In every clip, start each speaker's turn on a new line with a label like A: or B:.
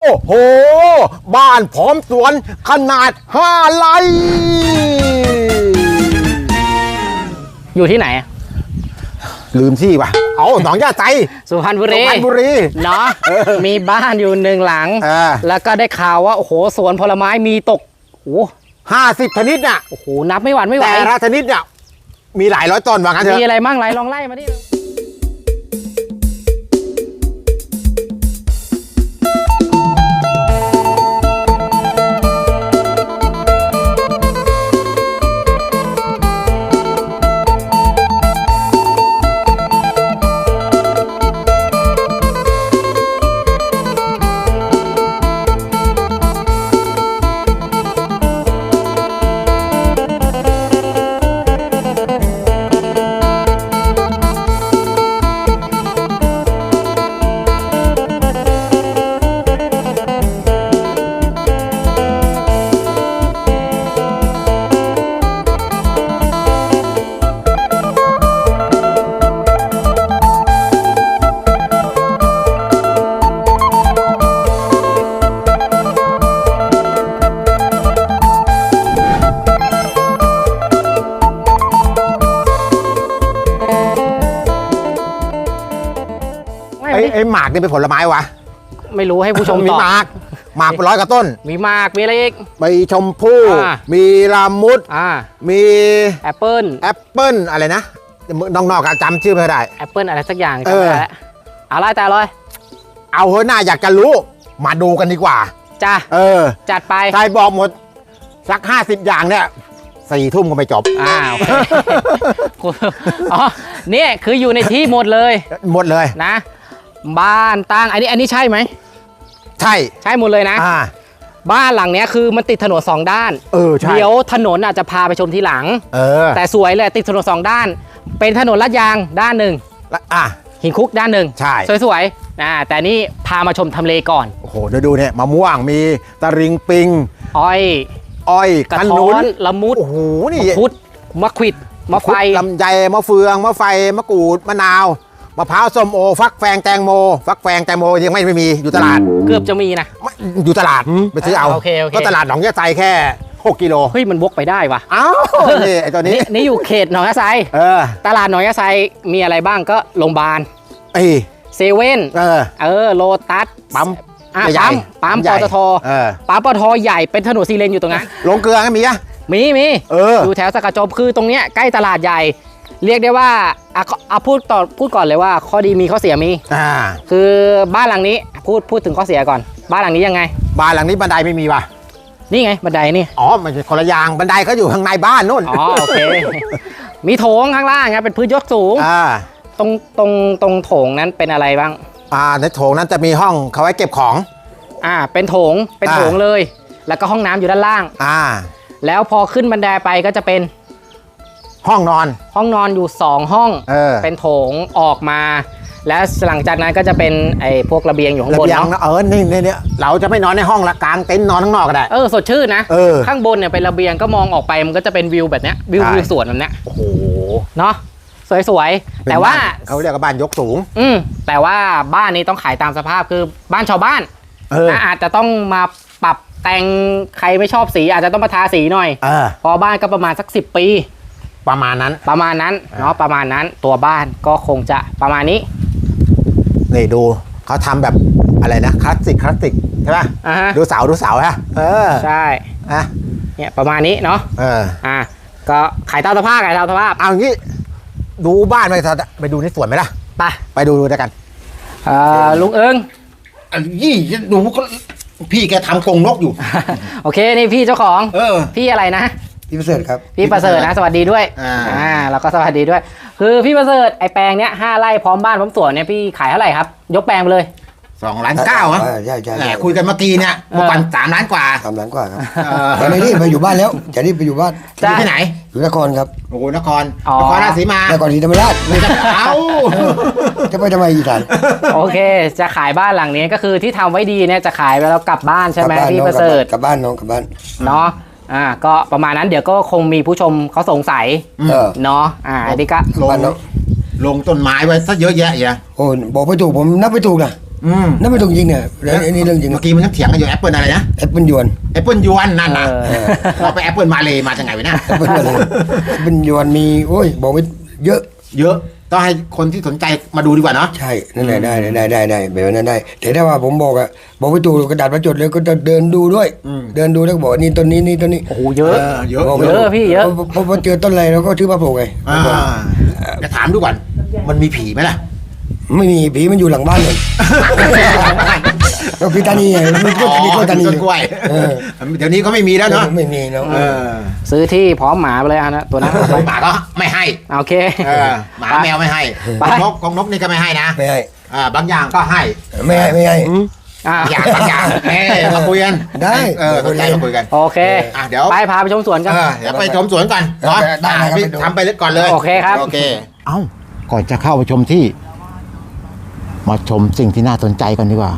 A: โอ้โหบ้านพร้อมสวนขนาด5 ไร่
B: อยู่ที่ไหน
A: ลืมที่ป่ะเอาหนองย่าไซ
B: สุพรรณบุรี
A: สุพรรณบุรี
B: เนาะมีบ้านอยู่1 หลัง แล้วก็ได้ข่าวว่าโอ้โหสวนผลไม้มีตกโอ้
A: 50 ชนิดน่ะ
B: โอ้โหนับไม่หวั่นไม่ไหว
A: แต่ละชนิดเนี่ยมีหลายร้อยต้นว่างั้นเถอะ
B: มีอะไรมั่งไรลองไล่มาดิ
A: ไอ้หมากนี่เป็นผลไม้วะ
B: ไม่รู้ให้ผู้ชม
A: มี
B: ตอบ
A: หมาก100 กว่าต้น
B: มีหมากมีอะไรอีก
A: มีชมพู่มีลามุดมี
B: แอปเปิ้ล
A: อะไรนะน้องๆจำชื่อไม่ได้
B: แอปเปิ้ลอะไรสักอย่างจำไม่ได้แล้วอะไรแต่เลย
A: เอาเฮ้ยน่าอยากจะรู้มาดูกันดีกว่า
B: จ้าจัดไป
A: ใครบอกหมดสัก50 อย่างเนี่ย4 ทุ่มก็ไม่จบ
B: โอเคอ๋อเนี่ยคืออยู่ในที่หมดเลยนะบ้านตั้งอันนี้ใช่ไหม
A: ใช่
B: หมดเลยนะบ้านหลังเนี้ยคือมันติดถนน2 ด้าน
A: ใช่
B: เดี๋ยวถนนอาจจะพาไปชมทีหลังแต่สวยเลยติดถนน2 ด้านเป็นถนนลาดยางด้านหนึ่งหินคุกด้านหนึ่ง
A: ใช่
B: สวยๆแต่นี่พามาชมทำเลก่อน
A: โอ้โหดูเนี่ยมะม่วงมีตะริงปิง
B: อ้อย
A: กระท้อน
B: ละมุด
A: โอ้โหนี่
B: มะพุดมะขวิดมะไฟ
A: ลำไยมะเฟืองมะไฟมะกรูดมะนาวมะพร้าวส้มโอฟักแฟงแตงโมยังไม่มีอยู่ตลาด
B: เกือบจะมีนะ
A: อยู่ตลาดไปซื้อเอาก็ตลาดหนองยะไซแค่6 กิโล
B: เฮ้ยมันวกไปได้วะ
A: อ้าวนี่ไอตัวนี้
B: นี่อยู่เขตหนองยะไซตลาดหนองยะไซมีอะไรบ้างก็โรงพยาบาลเซเว่นโลตัสปั๊มปตทปั๊มปตทใหญ่เป็นถนน4 เลนอยู่ตรงนั้น
A: โรงเกลือก็มีอะ
B: มีอยู่แถวสกัดจบคือตรงเนี้ยใกล้ตลาดใหญ่เรียกได้ว่าพูดก่อนเลยว่าข้อดีมีข้อเสียมีคือบ้านหลังนี้พูดถึงข้อเสียก่อนบ้านหลังนี้ยังไง
A: บ้านหลังนี้บันไดไม่มีว่ะ
B: นี่ไงบันไดนี่
A: มันคนละอย่างบันไดเขาอยู่ข้างในบ้านนู่น
B: โอเคมีโถงข้างล่างไงเป็นพื้นยกสูงตรงโถงนั้นเป็นอะไรบ้าง
A: ในโถงนั้นจะมีห้องเขาไว้เก็บของ
B: เป็นโถงเลยแล้วก็ห้องน้ำอยู่ด้านล่างแล้วพอขึ้นบันไดไปก็จะเป็น
A: ห้องน
B: อนอยู่2 ห้องเป็นโถงออกมาแล้วหลังจากนั้นก็จะเป็นไอ้พวกระเบียงอยู่ข้างบนเนาะ
A: นี่เราจะไม่นอนในห้องละกลางเต็นท์นอนข้างนอกก็ได้
B: สดชื่นนะข้างบนเนี่ยเป็นระเบียงก็มองออกไปมันก็จะเป็นวิวแบบเนี้ยวิวสวนแบบเนี้ย
A: โอ้โห
B: เนาะสวยๆแต่ว่า
A: เขาเรียกว่าบ้านยกสูง
B: แต่ว่าบ้านนี้ต้องขายตามสภาพคือบ้านชาวบ้านอาจจะต้องมาปรับแต่งใครไม่ชอบสีอาจจะต้องมาทาสีหน่อยพอบ้านก็ประมาณสัก10 ปี
A: ประมาณนั้น
B: เนาะประมาณนั้นตัวบ้านก็คงจะประมาณนี้
A: นี่ดูเขาทำแบบอะไรนะคลาสสิกใช่ป่ะดูเสาฮะ
B: ใช่เนี่ยประมาณนี้เนาะก็ขายตามสภาพ
A: เอางี้ดูบ้านไปดูในสวนไหมล่ะไปดูด้วยกัน
B: ลุงเอิง
A: ดูก็พี่แกทำกรงนกอยู่
B: โอเคนี่พี่เจ้าของพี่อะไรนะ
C: พี่ประเสริฐครับ
B: พี่ประเสริฐนะสวัสดีด้วยแล้วก็สวัสดีด้วยคือพี่ประเสริฐไอแปลงเนี้ย5 ไร่พร้อมบ้านพร้อมสวนเนี่ยพี่ขายเท่าไหร่ครับยกแปลงไปเลย
A: 2.9 ล้านครับ
C: ใช่
A: คุยกันเมื่อกี้เนี่ยเมื่อวัน3 ล้านกว่า
C: 3 ล้านกว่าครับแต่ไม่รีบไปอยู่บ้านแล้วจะรีบไปอยู่บ้าน
A: ที่ไหน
C: อยู่นครครับ
A: โอ้นครราชสีมาน
C: ครศรีธรรมราชจะไปทำไมอีกท่าน
B: โอเคจะขายบ้านหลังนี้ก็คือที่ทำไว้ดีเนี่ยจะขายไปแล้วกลับบ้านใช่ไหมพี่ประเสริฐ
C: กลับบ้านน้องกลับบ้าน
B: เนาะก็ประมาณนั้นเดี๋ยวก็คงมีผู้ชมเขาสงสัยเนาะอันนี้ก็
A: ลงต้นไม้ไว้ซะเยอะแยะโอ้
C: บอกไม่ถูกผมนับไม่ถูกนะนั่นไม่ต้องยิงเนี่ยอันนี้เรื่องจริง
A: เมื่อกี้มันยังเถียงกันอยู่แอปเปิลอะไรนะ
C: แอปเปิลยวน
A: แอปเปิลยวนนั่นนะเราไปแอปเปิลมาเลยมาจากไหนวะเนี่ย
C: แอปเปิลอะไรแอปเปิลยวนมีโอ้ยบอกไว้เยอะ
A: ต้องให้คนที่สนใจมาดูดีกว่าเนาะ
C: ใช่นั่นแหละได้แบบนั้นได้แต่ถ้าว่าผมบอกอะบอกไปตูกระดาษประจดเลยก็จะเดินดูด้วยเดินดูแล้วบอกนี่ต้นนี้นี่ต้นนี้
B: โอ้โหเยอะ
A: เยอะ
B: เยอะพี่เยอะ
C: พอเจอต้นอะไรเราก็ชื่อว่าโผล่ไง
A: จะถามดูก่อนมันมีผีไหมล่ะ
C: ไม่มีผีมันอยู่หลังบ้านเลยก็พิตานีไงมันก็มีต้นตานี
A: ต้นกล้วยเดี๋ยวนี้ก็ไม่มีแล้วเนาะ
C: ไม่มีแล้ว
B: ซื้อที่พร้อมหมาไปเลยนะตัวนั้น
A: หมาก็ไม่ให้
B: โอเค
A: หมาแมวไม่ให้ของนกนี่ก็ไม่ให้นะ
C: ไม่ให้
A: บางอย่างก็ให้
C: ไม่ให้
A: บางอย่างมาคุยกัน
C: ได้
A: สนใจมาคุยกัน
B: โอเค
A: เดี๋ยว
B: ไปพาไปชมสวนกัน
A: เดี๋ยวไปชมสวนกันเนาะทำไปก่อนเลย
B: โอเคครับ
A: โอเคเอ้าก่อนจะเข้าไปชมที่มาชมสิ่งที่น่าสนใจกันดีกว่า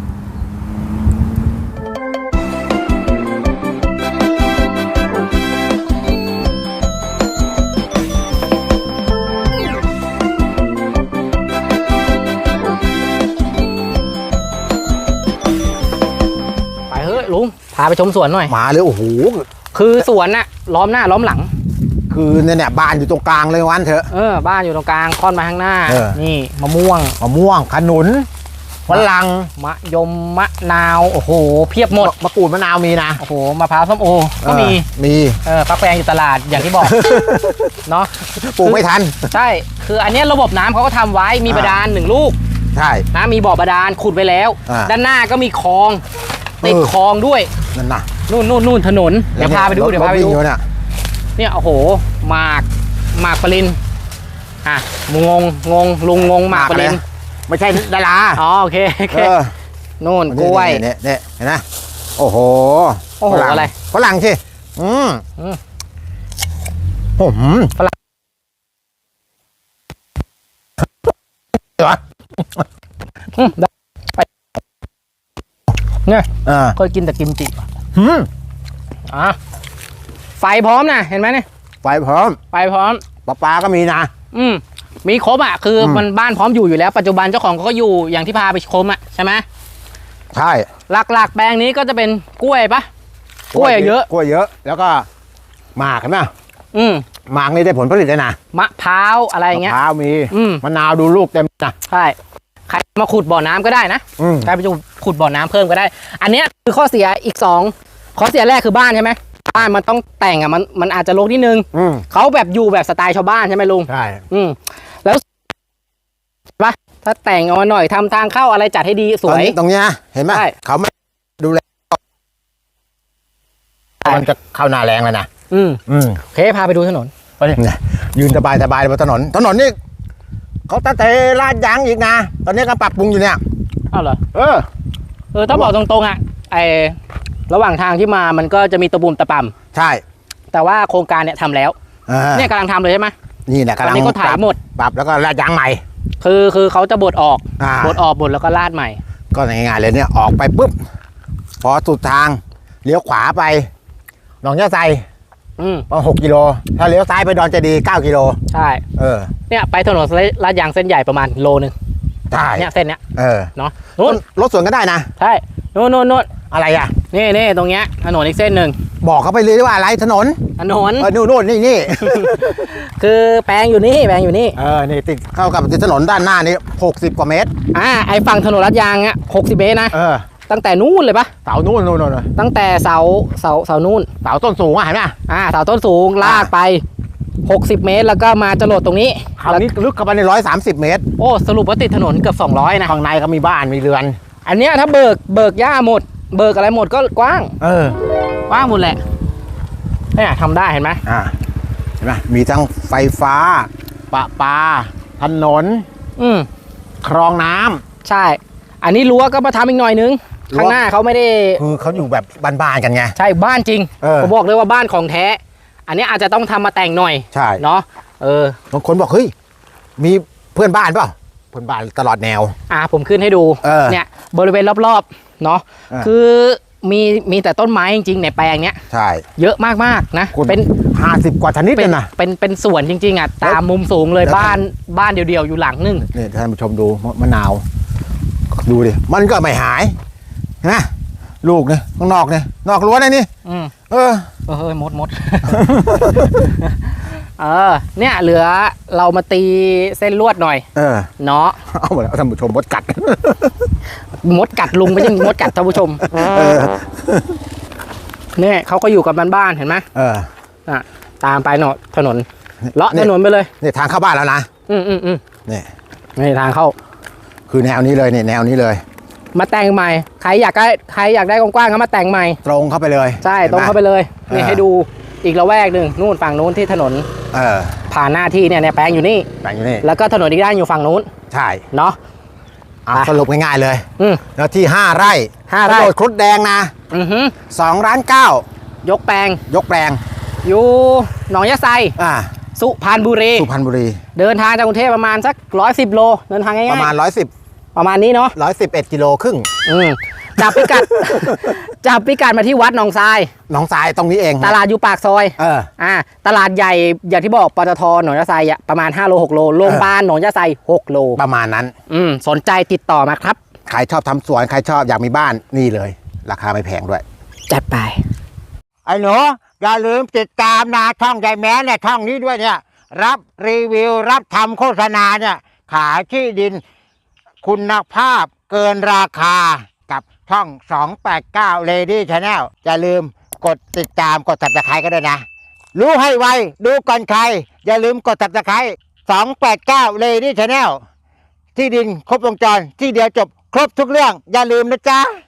B: ไปเฮ้ยลุงพาไปชมสวนหน่อย
A: มาเลยโอ้โห
B: คือสวนน่ะล้อมหน้าล้อมหลัง
A: คือเนี่ยบ้านอยู่ตรงกลางเลยวันเถอะ
B: บ้านอยู่ตรงกลางค่อนมาข้างหน้า นี่มะม่วงขนุนฝรั่งมะยมมะนาวโอ้โหเพียบหมด
A: มะกรูดมะนาวมีนะ
B: โอ้โหมะพร้าวส้มโอก็มีฟักแฟงอยู่ตลาดอย่างที่บอก เนาะ
A: ปลูกไม่ทัน
B: ใช่คืออันนี้ระบบน้ำเขาก็ทำไว้มีบาดาล1 ลูก
A: ใช่
B: นะมีบ่อบาดาลขุดไว้แล้วด้านหน้าก็มีคลองติดคลองด้วย
A: นั่นนะ
B: นู่นถนนเดี๋ยวพาไปดูเนี่ยโอ้โหหมากปรินลุงงงหมากปริน
A: ไม่ใช่ดารา
B: โอเคนู่นกล้วย
A: เนี่ยเห็นไหมโอ้โห
B: อะไร
A: ฝรั่งสิฝรั่ง
B: เนี่ยเคยกินแต่กิมจิไฟพร้อมนะเห็นไหมเนี่ย
A: ไฟพร้อมปลาก็มีนะ
B: มีครบคือมันบ้านพร้อมอยู่แล้วปัจจุบันเจ้าของก็อยู่อย่างที่พาไปชมใช่ไหม
A: ใช่
B: หลักๆแปลงนี้ก็จะเป็นกล้วยปะกล้วยเยอะ
A: แล้วก็หมากเห็นไหมหมากนี่ได้ผลผลิตเลยนะ
B: มะพร้าวอะไรเงี้ย
A: มะพร้าวมีมะนาวดูลูกเต็มนะ
B: ใช่ใครมาขุดบ่อน้ำก็ได้นะใครไปขุดบ่อน้ำเพิ่มก็ได้อันนี้คือข้อเสียอีก2ข้อเสียแรกคือบ้านใช่ไหมบ้านมันต้องแต่งมันอาจจะรกนิดนึงเขาแบบอยู่แบบสไตล์ชาวบ้านใช่ไหมลุง
A: ใช่
B: แล้วปะถ้าแต่งเอามาหน่อยทำทางเข้าอะไรจัดให้ดีสวย
A: ตรงนี้เห็นไหมเขาไม่ดูแลมันจะเข้าหน้าแรงแล้วนะ
B: โอเคพาไปดูถนน
A: ไปยืนสบายบนถนนนี่เขาตั้งแต่ลาดยางอีกนะตอนนี้ก็ปรับปรุงอยู่เนี่ย
B: อ้าวเหรอถ้าบอกตรงๆระหว่างทางที่มามันก็จะมีตะบุ่มตะป่ำ
A: ใช่
B: แต่ว่าโครงการเนี่ยทำแล้วเนี่ยกำลังทำเลยใช่ไหม
A: นี่แหละกำลัง
B: ก็ถ่ายหมด
A: ปรับแล้วก็ลาดยางใหม่
B: คือเขาจะบดออกบดแล้วก็ลาดใหม่
A: ก็ง่ายๆเลยเนี่ยออกไปปุ๊บพอสุดทางเลี้ยวขวาไปหนองยะไซประมาณ6 กิโลถ้าเลี้ยวซ้ายไปดอนเจดีย์9 กิโล
B: ใช่เนี่ยไปถนนลาดยางเส้นใหญ่ประมาณ1 โล
A: ใช่
B: เนี่ยเส้นเนี้ยเนาะ
A: นู่นรถสวนก็ได้นะ
B: ใช่นู่น
A: อะไร
B: นี่ตรงเนี้ยถนนอีกเส้นหนึ่ง
A: บอกเขาไปเลยว่าอะไรถนน
B: นู่น
A: นี่
B: คือแปลงอยู่นี่
A: นี่ติดเข้ากับติดถนนด้านหน้านี่60 กว่าเมตร
B: ไอฝั่งถนนลาดยาง60 เมตรนะตั้งแต่นู่นเลยปะ
A: เสานู่น
B: ตั้งแต่เสานู่น
A: เสาต้นสูงเห็นไหม
B: เสาต้นสูงลากไป60 เมตรแล้วก็มาจรดตรงนี้
A: คราวนี้ลึกเข้าไปใน130 เมตร
B: โอ้สรุปว่าติดถนนเกือบ200นะ
A: ข้างในก็มีบ้านมีเรือน
B: อันเนี้ยถ้าเบิกหญ้าหมดเบิกอะไรหมดก็กว้างกว้างหมดแหละเนี่ยทำได้เห็นไหม
A: เห็นไหมมีทั้งไฟฟ้าประปาถนนคลองน้ำ
B: ใช่อันนี้รั้วก็มาทำอีกหน่อยนึงข้างหน้าเขาไม่ได้
A: คือเขาอยู่แบบบ้านๆกันไง
B: ใช่บ้านจริงผมบอกเลยว่าบ้านของแท้อันนี้อาจจะต้องทำมาแต่งหน่อย
A: ใช่
B: เนาะ
A: บางคนบอกเฮ้ยมีเพื่อนบ้านเปล่าเพื่อนบ้านตลอดแนว
B: ผมขึ้นให้ดูเนี่ยบริเวณรอบๆเนาะคือมีแต่ต้นไม้จริงๆในแปลงเนี้ย
A: ใช่
B: เยอะมากๆนะ
A: เป็น50 กว่าชนิดเลยนะ
B: เป็นสวนจริงๆตามมุมสูงเลยบ้านเดียวๆอยู่หลังนึง
A: นี่ท่านผู้ชมดูมะนาวดูดิมันก็ไม่หายเห็นไหมลูกเนี่ยข้างนอกเนี่ยนอกรั้วนี่เฮ้ย
B: มด เนี่ยเหลือเรามาตีเส้นลวดหน่อยเนาะ
A: เอาหมดแล้วท่านผู้ชมมดกัด
B: มดกัดลุงไม่ใช่มดกัดท่านผู้ชมเนี่ยเขาก็อยู่กับบ้านๆเห็นไหมตามไปเนาะถนนเลาะถนนไปเลย
A: นี่ทางเข้าบ้านแล้วนะนี่
B: ทางเข้า
A: คือแนวนี้เลยเนี่ยแนวนี้เลย
B: มาแต่งใหม่ใครอยากได้กว้างๆก็มาแต่งใหม่
A: ตรงเข้าไปเลย
B: ใช่ตรงเข้าไปเลยนี่ให้ดูอีกละแวกหนึ่งนู่นฝั่งนู้นที่ถนนผ่านหน้าที่เนี่ยแปลงอยู่นี่แล้วก็ถนนอีกด้านอยู่ฝั่งนู้น
A: ใช่
B: เนาะ
A: สรุปง่ายๆเลยแล้วที่5 ไร่
B: โด
A: ดครุฑแดงนะ2.9 ล้าน
B: ยกแปลงอยู่หนองยะไซสุพรรณบุรีเดินทางจากกรุงเทพประมาณสัก110 โลเดินทางง่ายๆ
A: ประมาณ110
B: ประมาณนี้เนาะ
A: 111.5 กิโล
B: จับพิกัดมาที่วัดหนองทราย
A: ตรงนี้เอง
B: ตลาดอยู่ปากซอยตลาดใหญ่อย่างที่บอกปตท.หนองยะไซประมาณ5 โล 6 โลโรงพยาบาลหนองยะไซ6 โล
A: ประมาณนั้น
B: สนใจติดต่อมาครับ
A: ใครชอบทำสวนใครชอบอยากมีบ้านนี่เลยราคาไม่แพงด้วย
B: จัดไป
A: ไอ้หนูอย่าลืมติดตามนะช่องยายแม้เนี่ยช่องนี้ด้วยเนี่ยรับรีวิวรับทำโฆษณาเนี่ยขายที่ดินคุณภาพเกินราคากับช่อง289 Lady Channel อย่าลืมกดติดตามกด Subscribe ก็ด้วยนะรู้ให้ไวดูก่อนใครอย่าลืมกด Subscribe 289 Lady Channel ที่ดินครบวงจรที่เดียวจบครบทุกเรื่องอย่าลืมนะจ๊ะ